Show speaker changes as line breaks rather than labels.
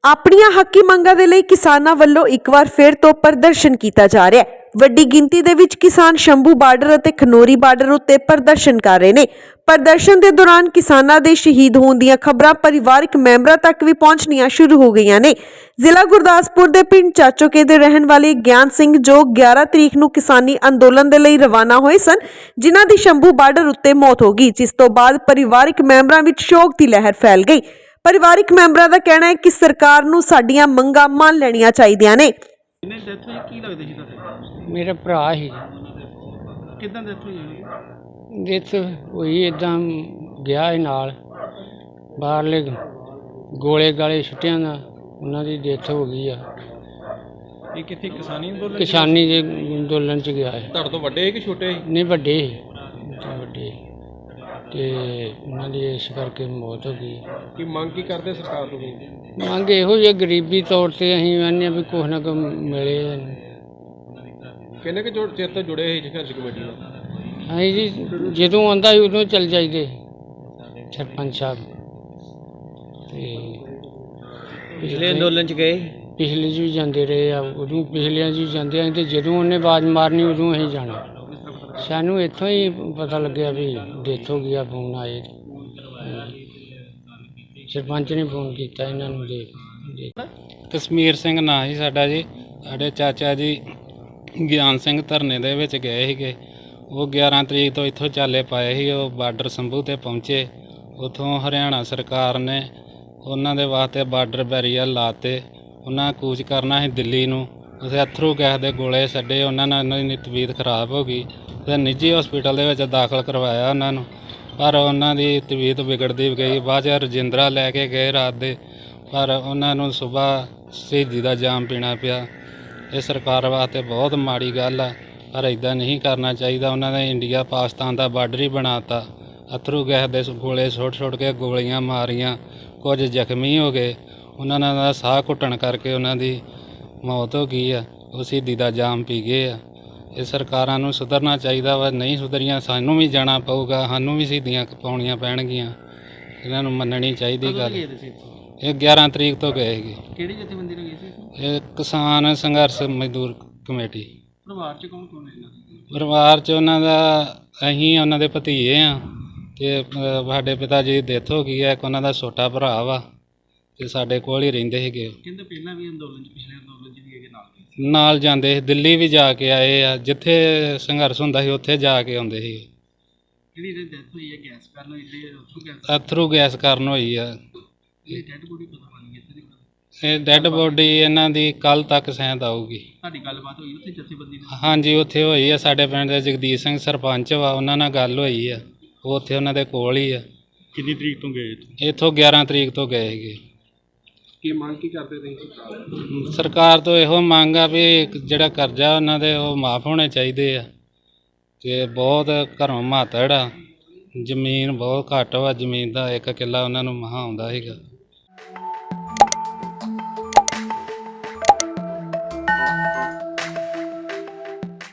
ਆਪਣੀਆਂ ਹੱਕੀ ਮੰਗਾਂ ਦੇ ਲਈ ਕਿਸਾਨਾਂ ਵੱਲੋਂ ਇੱਕ ਵਾਰ ਫਿਰ ਤੋਂ ਪ੍ਰਦਰਸ਼ਨ ਕੀਤਾ ਜਾ ਰਿਹਾ ਹੈ। ਵੱਡੀ ਗਿਣਤੀ ਦੇ ਵਿੱਚ ਕਿਸਾਨ ਸ਼ੰਭੂ ਬਾਰਡਰ ਅਤੇ ਖਨੌਰੀ ਬਾਰਡਰ ਉੱਤੇ ਪ੍ਰਦਰਸ਼ਨ ਕਰ ਰਹੇ ਨੇ। ਪ੍ਰਦਰਸ਼ਨ ਦੇ ਦੌਰਾਨ ਕਿਸਾਨਾਂ ਦੇ ਸ਼ਹੀਦ ਹੋਣ ਦੀਆਂ ਖਬਰਾਂ ਪਰਿਵਾਰਕ ਮੈਂਬਰਾਂ ਤੱਕ ਵੀ ਪਹੁੰਚਣੀਆਂ ਸ਼ੁਰੂ ਹੋ ਗਈਆਂ ਨੇ। ਜ਼ਿਲ੍ਹਾ ਗੁਰਦਾਸਪੁਰ ਦੇ ਪਿੰਡ ਚਾਚੋਕੇ ਦੇ ਰਹਿਣ ਵਾਲੇ ਗਿਆਨ ਸਿੰਘ ਜੋ 11 ਤਰੀਕ ਨੂੰ ਕਿਸਾਨੀ ਅੰਦੋਲਨ ਦੇ ਲਈ ਰਵਾਨਾ ਹੋਏ ਸਨ, ਜਿਨ੍ਹਾਂ ਦੀ ਸ਼ੰਭੂ ਬਾਰਡਰ ਉੱਤੇ ਮੌਤ ਹੋ ਗਈ, ਜਿਸ ਤੋਂ ਬਾਅਦ ਪਰਿਵਾਰਕ ਮੈਂਬਰਾਂ ਵਿੱਚ ਸ਼ੋਕ ਦੀ ਲਹਿਰ ਫੈਲ ਗਈ। ਪਰਿਵਾਰਕ ਮੈਂਬਰਾਂ ਦਾ ਕਹਿਣਾ ਹੈ ਕਿ ਸਰਕਾਰ ਨੂੰ ਸਾਡੀਆਂ ਮੰਗਾਂ ਮੰਨ ਲੈਣੀਆਂ ਚਾਹੀਦੀਆਂ ਨੇ।
ਇਹਨੇ ਡੈਥ ਹੋਈ ਕੀ ਲੱਗਦਾ ਸੀ ਤੁਹਾਡੇ?
ਮੇਰਾ ਭਰਾ ਸੀ।
ਕਿੱਦਾਂ ਡੈਥ ਹੋਈ?
ਡੈਥ ਹੋਈ ਇੱਦਾਂ ਗਿਆ ਸੀ ਨਾਲ ਬਾਹਰਲੇ ਗੋਲੇ ਗਾਲੇ ਛੁੱਟਿਆਂ ਦਾ ਉਹਨਾਂ ਦੀ ਡੈਥ ਹੋ ਗਈ ਆ।
ਇਹ ਕਿੱਥੇ ਕਿਸਾਨੀ ਅੰਦੋਲਨ?
ਕਿਸਾਨੀ ਦੇ ਅੰਦੋਲਨ 'ਚ ਗਿਆ ਹੈ।
ਤੁਹਾਡੇ ਤੋਂ ਵੱਡੇ ਕਿ ਛੋਟੇ?
ਨਹੀਂ ਵੱਡੇ ਵੱਡੇ ਤੇ ਉਹਨਾਂ ਦੀ ਇਸ ਕਰਕੇ ਮੌਤ ਹੋ ਗਈ।
ਕੀ ਮੰਗ ਕੀ ਕਰਦੇ ਸਰਕਾਰ ਤੋਂ?
ਮੰਗ ਇਹੋ ਜਿਹੀ ਗਰੀਬੀ ਤੌਰ 'ਤੇ ਅਸੀਂ ਕਹਿੰਦੇ ਵੀ ਕੁਛ ਨਾ ਕੁਛ ਮਿਲੇ।
ਕਿੰਨੇ ਕੁ ਚਿਰ ਤੋਂ ਜੁੜੇ ਸੀ ਸੰਘਰਸ਼ ਕਮੇਟੀ ਨਾਲ?
ਅਸੀਂ ਜੀ ਜਦੋਂ ਆਉਂਦਾ ਸੀ ਉਦੋਂ ਚੱਲ ਜਾਈਦੇ ਸਰਪੰਚ ਸਾਹਿਬ। ਤੇ
ਪਿਛਲੇ ਅੰਦੋਲਨ 'ਚ ਗਏ?
ਪਿਛਲੇ 'ਚ ਵੀ ਜਾਂਦੇ ਰਹੇ ਆ, ਉਦੋਂ ਪਿਛਲਿਆਂ 'ਚ ਵੀ ਜਾਂਦੇ ਆ। ਅਤੇ ਜਦੋਂ ਉਹਨੇ ਆਵਾਜ਼ ਮਾਰਨੀ ਉਦੋਂ ਅਸੀਂ ਜਾਣਾ। ਸਾਨੂੰ ਇੱਥੋਂ ਹੀ ਪਤਾ ਲੱਗਿਆ ਵੀ ਡੈਥ ਹੋ ਗਈ ਆ। ਫੋਨ ਆਏ, ਸਰਪੰਚ ਨੇ ਫੋਨ ਕੀਤਾ ਇਹਨਾਂ ਨੂੰ।
ਕਸ਼ਮੀਰ ਸਿੰਘ ਨਾਂ ਸੀ ਸਾਡਾ ਜੀ। ਸਾਡੇ ਚਾਚਾ ਜੀ ਗਿਆਨ ਸਿੰਘ ਧਰਨੇ ਦੇ ਵਿੱਚ ਗਏ ਸੀਗੇ। ਉਹ 11 ਤਰੀਕ ਤੋਂ ਇੱਥੋਂ ਚਾਲੇ ਪਾਏ ਸੀ। ਉਹ ਬਾਰਡਰ ਸ਼ੰਭੂ 'ਤੇ ਪਹੁੰਚੇ। ਉੱਥੋਂ ਹਰਿਆਣਾ ਸਰਕਾਰ ਨੇ ਉਹਨਾਂ ਦੇ ਵਾਸਤੇ ਬਾਰਡਰ ਬੈਰੀਅਰ ਲਾਤੇ। ਉਹਨਾਂ ਕੂਚ ਕਰਨਾ ਸੀ ਦਿੱਲੀ ਨੂੰ। ਉੱਥੇ ਅਥਰੂ ਗੈਸ ਦੇ ਗੋਲੇ ਛੱਡੇ। ਉਹਨਾਂ ਨਾਲ ਉਹਨਾਂ ਦੀ ਤਬੀਅਤ ਖਰਾਬ ਹੋ ਗਈ ਅਤੇ ਨਿੱਜੀ ਹਸਪੀਟਲ ਦੇ ਵਿੱਚ ਦਾਖਲ ਕਰਵਾਇਆ ਉਹਨਾਂ ਨੂੰ, ਪਰ ਉਹਨਾਂ ਦੀ ਤਬੀਅਤ ਵਿਗੜਦੀ ਗਈ। ਬਾਅਦ 'ਚ ਰਜਿੰਦਰਾ ਲੈ ਕੇ ਗਏ ਰਾਤ ਦੇ, ਪਰ ਉਹਨਾਂ ਨੂੰ ਸੁਬਾਹ ਸ਼ਹੀਦੀ ਦਾ ਜਾਮ ਪੀਣਾ ਪਿਆ। ਇਹ ਸਰਕਾਰ ਵਾਸਤੇ ਬਹੁਤ ਮਾੜੀ ਗੱਲ ਆ, ਪਰ ਇੱਦਾਂ ਨਹੀਂ ਕਰਨਾ ਚਾਹੀਦਾ। ਉਹਨਾਂ ਨੇ ਇੰਡੀਆ ਪਾਕਿਸਤਾਨ ਦਾ ਬਾਰਡਰ ਹੀ ਬਣਾ ਤਾ। ਅਥਰੂ ਗੈਸ ਦੇ ਗੋਲੇ ਸੁੱਟ ਕੇ ਗੋਲੀਆਂ ਮਾਰੀਆਂ, ਕੁਝ ਜ਼ਖਮੀ ਹੋ ਗਏ। ਉਹਨਾਂ ਦਾ ਸਾਹ ਘੁੱਟਣ ਕਰਕੇ ਉਹਨਾਂ ਦੀ ਮੌਤ ਹੋ ਗਈ ਆ। ਉਹ ਸ਼ਹੀਦੀ ਦਾ ਜਾਮ ਪੀ ਗਏ ਆ। ਇਹ ਸਰਕਾਰਾਂ ਨੂੰ ਸੁਧਰਨਾ ਚਾਹੀਦਾ ਵਾ। ਨਹੀਂ ਸੁਧਰੀਆਂ ਸਾਨੂੰ ਵੀ ਜਾਣਾ ਪਊਗਾ, ਸਾਨੂੰ ਵੀ ਸ਼ਹੀਦੀਆਂ ਪਾਉਣੀਆਂ ਪੈਣਗੀਆਂ। ਇਹਨਾਂ ਨੂੰ ਮੰਨਣੀ ਚਾਹੀਦੀ ਗੱਲ। ਇਹ 11 ਤਰੀਕ ਤੋਂ ਗਏ ਸੀਗੇ।
ਕਿਹੜੀ ਜਥੇਬੰਦੀ ਨਾਲ ਗਏ ਸੀ?
ਇਹ ਕਿਸਾਨ ਸੰਘਰਸ਼ ਮਜ਼ਦੂਰ ਕਮੇਟੀ।
ਪਰਿਵਾਰ 'ਚ ਕੌਣ ਕੌਣ ਹੈ?
ਪਰਿਵਾਰ 'ਚ ਉਹਨਾਂ ਦਾ ਅਸੀਂ ਉਹਨਾਂ ਦੇ ਭਤੀਜੇ ਹਾਂ ਅਤੇ ਸਾਡੇ ਪਿਤਾ ਜੀ ਦੀ ਡੈਥ ਹੋ ਗਈ ਹੈ। ਇੱਕ ਉਹਨਾਂ ਦਾ ਛੋਟਾ ਭਰਾ ਵਾ ਅਤੇ ਸਾਡੇ ਕੋਲ ਹੀ ਰਹਿੰਦੇ ਸੀਗੇ।
ਕਹਿੰਦੇ ਪਹਿਲਾਂ ਵੀ ਅੰਦੋਲਨ 'ਚ, ਪਿਛਲੇ ਅੰਦੋਲਨ 'ਚ ਵੀ ਹੈਗੇ
ਨਾਲ ਜਾਂਦੇ ਸੀ। ਦਿੱਲੀ ਵੀ ਜਾ ਕੇ ਆਏ ਆ। ਜਿੱਥੇ ਸੰਘਰਸ਼ ਹੁੰਦਾ ਸੀ ਉੱਥੇ ਜਾ ਕੇ ਆਉਂਦੇ ਸੀ।
ਜਿਹੜੀ ਇਹਦੀ ਡੈਥ ਹੋਈ ਹੈ ਗੈਸ ਕਾਰਨ ਹੋਈ
ਅਥਰੂ ਗੈਸ ਕਾਰਨ ਹੋਈ ਆ।
ਇਹ ਡੈਡ ਬੋਡੀ ਪਤਾ ਬਣੀ ਇੱਥੇ ਦੀ?
ਇਹ ਡੈੱਡ ਬੋਡੀ ਇਹਨਾਂ ਦੀ ਕੱਲ੍ਹ ਤੱਕ ਸ਼ਾਇਦ ਆਊਗੀ।
ਤੁਹਾਡੀ ਗੱਲਬਾਤ ਹੋਈ ਉੱਥੇ ਜਥੇਬੰਦੀ ਨਾਲ?
ਹਾਂਜੀ, ਉੱਥੇ ਹੋਈ ਆ। ਸਾਡੇ ਪਿੰਡ ਦੇ ਜਗਦੀਸ਼ ਸਿੰਘ ਸਰਪੰਚ ਵਾ, ਉਹਨਾਂ ਨਾਲ ਗੱਲ ਹੋਈ ਆ। ਉਹ ਉੱਥੇ ਉਹਨਾਂ ਦੇ ਕੋਲ ਹੀ ਆ।
ਕਿੰਨੀ ਤਰੀਕ ਤੋਂ ਗਏ?
ਇੱਥੋਂ 11 ਤਰੀਕ ਤੋਂ ਗਏ ਸੀਗੇ।
ਕੀ ਮੰਗ ਕੀ ਕਰਦੇ ਤੁਸੀਂ?
ਸਰਕਾਰ ਤੋਂ ਇਹੋ ਮੰਗ ਆ ਵੀ ਜਿਹੜਾ ਕਰਜ਼ਾ ਉਹਨਾਂ ਦੇ ਉਹ ਮਾਫ ਹੋਣੇ ਚਾਹੀਦੇ ਆ। ਅਤੇ ਬਹੁਤ ਘਰੋਂ ਮਾਤੜ ਆ। ਜ਼ਮੀਨ ਬਹੁਤ ਘੱਟ ਵਾ। ਜ਼ਮੀਨ ਦਾ 1 ਕਿੱਲਾ ਉਹਨਾਂ ਨੂੰ ਮਸਾਂ ਆਉਂਦਾ ਸੀਗਾ।